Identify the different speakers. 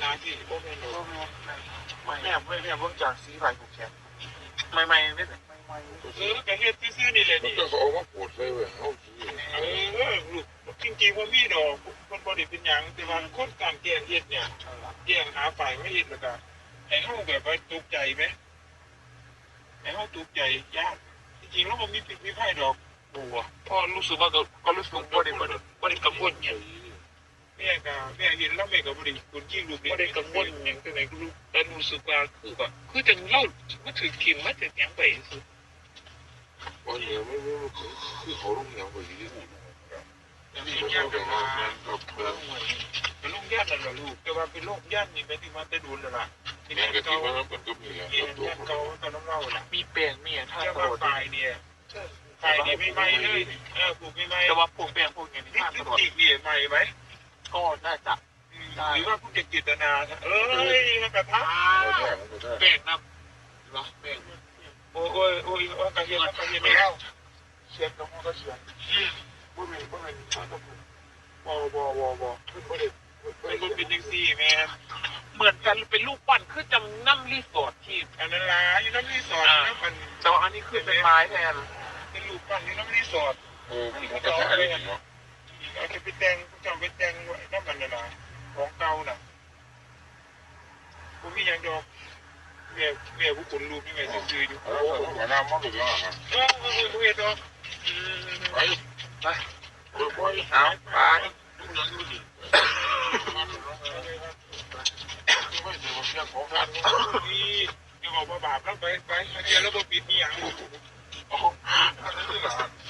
Speaker 1: นาที่โอ้แม่หนู
Speaker 2: แม่เพิ่งจากสีไผ่ผูกแขนใหม่ไม่ไหน
Speaker 1: กระเฮ็ดซื่อๆนี่แหละนี่
Speaker 3: มันก็เขาเอามาปวดเลยเว้ยเขาซื้อ
Speaker 1: ลูกจริงๆว่ามีดอกมันบ่ได้เป็นหยังแต่ว่าคนการแกงเฮ็ดเนี่ยแกงหาฝ่ายไม่เฮ็ดแล้วก็ให้เฮาแบบว่าตกใจไหมให้เฮาตกใจยากจริงๆแล้วมันมีผิดมีไผดอกบัว
Speaker 2: พอรู้สึกว่าก็รู้สึกว่าได้กังวลเนี่ย
Speaker 1: แม่เห็นแล้วแม่ก็บ่ได้คนยิ่งลูก
Speaker 2: ไม่ได้กังวลอย่างตัวไหนก็รู้แต่รู้สึกว่าคือจังเล่ามาถึงคิมมาถึงยังไปสุด
Speaker 3: วันนี้ไม่คือเขาลงอย่างไปที่นี่
Speaker 1: เป็นย่านกันมาเป็นโรคย่านนั่นแหละลูกแต่ว่าเป็นโรคย่านนี่ไปที่มาแต่ดูแล้วล่ะ
Speaker 3: ที่นี่ก็ที่ว่ามันก็มี
Speaker 1: ย่านเก่าตอนน้ำเล่าล่ะ
Speaker 2: มีเปลี่ยนมีท่า
Speaker 1: จะว่าไฟเนี่ยไฟนี่ไม่ไหม้เลยปลูกไม่ไหม้
Speaker 2: แต่ว่าพวกเปลี่ยนพวกอย่างนี้ท่าตลอด
Speaker 1: อีกนี่ไหม้ไหม
Speaker 2: ก็น่าจะ
Speaker 1: หรือว่าผู้เจตนามันกระทะ
Speaker 2: เปลี่ยนนะหรอเปลี่ยน
Speaker 1: โอ้ยกระเทียมไม่เข้า
Speaker 2: เชียร์กับมันก็เชียร์
Speaker 1: บ่เป็นข้าวต้มบ่คือบ่ได้มันเป็นจังซี่แม่
Speaker 2: เหมือนกันเป็นรูปปั้นคือจำน้ำรีสอร์ทที่
Speaker 1: อันนั้นล่ะอยู่น้ำรีสอร์ทนะมัน
Speaker 2: แต่ว่าอันนี้คือเป็นไม้แทน
Speaker 1: เป็นรูปปั้นอยู่น้ำรีสอร์ท
Speaker 3: มันก็ใช่อะไรเนาะ
Speaker 1: เอาจะไปแต่งเจ้าไปแต่งน้ำมันน่ะนะของเก่าน่ะผมมีอย่างดอกแม่ผู้คนรูปนี่แม่ซื่ออยู่
Speaker 3: โอ้หัวหน้ามันก็ยังอ่ะ
Speaker 1: เฮ็ดดอก
Speaker 3: ไป
Speaker 2: เอาไป
Speaker 3: ไม่เจอเพื่อนของกัน
Speaker 1: นี่จะบอกว่าบาปแล้วไปเดี๋ยวแล้วบ่ปิดนี่หยัง
Speaker 3: อ๋ออันนี้ล่ะ